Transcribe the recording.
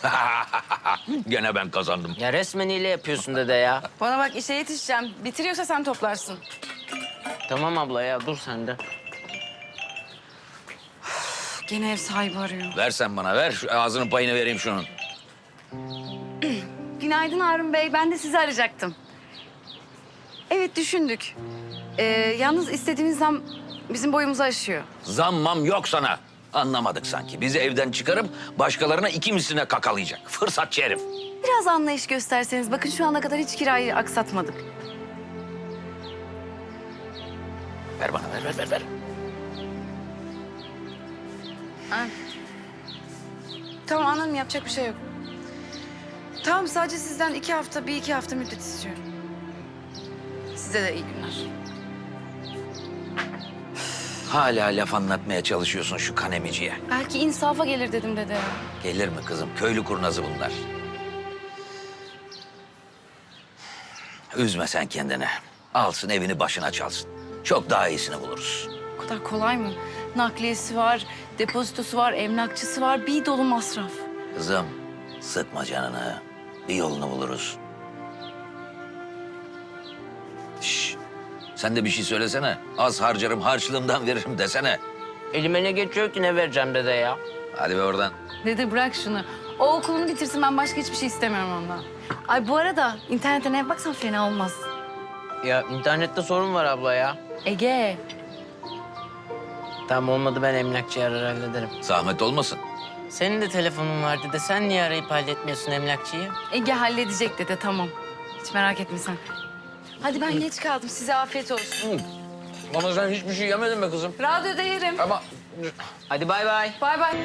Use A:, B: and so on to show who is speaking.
A: Gene ben kazandım.
B: Ya resmen hile yapıyorsun dede ya.
C: Bana bak işe yetişeceğim. Bitiriyorsa sen toplarsın.
B: Tamam abla ya dur sen de.
C: Gene ev sahibi arıyor.
A: Ver sen bana, ver. Şu ağzının payını vereyim şunun.
C: Günaydın Harun Bey. Ben de sizi arayacaktım. Evet düşündük. Yalnız istediğiniz zam bizim boyumuzu aşıyor.
A: Zammam yok sana. Anlamadık sanki. Bizi evden çıkarıp başkalarına iki misline kakalayacak. Fırsatçı herif.
C: Biraz anlayış gösterseniz. Bakın şu ana kadar hiç kirayı aksatmadık.
A: Ver bana, ver.
C: Ha. Tamam anladım yapacak bir şey yok. Tamam sadece sizden 2 hafta, bir iki hafta müddet istiyorum. Size de iyi günler.
A: Hala laf anlatmaya çalışıyorsun şu kanemiciye.
C: Belki insafa gelir dedim dede.
A: Gelir mi kızım? Köylü kurnazı bunlar. Üzme sen kendini. Alsın evini başına çalsın. Çok daha iyisini buluruz.
C: O kadar kolay mı? Nakliyesi var, depozitosu var, emlakçısı var. Bir dolu masraf.
A: Kızım sıkma canını. Bir yolunu buluruz. Şş, sen de bir şey söylesene. Az harcarım, harçlığımdan veririm desene.
B: Elime ne geçiyor ki ne vereceğim dede ya?
A: Hadi be oradan.
C: Dede bırak şunu. O okulunu bitirsin ben başka hiçbir şey istemiyorum ondan. Ay bu arada internetten ev baksan fena olmaz.
B: Ya internette sorun var abla ya.
C: Ege.
B: Tamam olmadı ben emlakçıyı arar hallederim.
A: Zahmet olmasın.
B: Senin de telefonun var dede. Sen niye arayıp halletmiyorsun emlakçıyı?
C: Ege halledecek dede tamam. Hiç merak etme sen. Hadi ben geç kaldım. Size afiyet olsun.
A: Ama sen hiçbir şey yemedin be kızım.
C: Radyoda yerim.
A: Ama
B: Hadi bay bay.
C: Bay bay.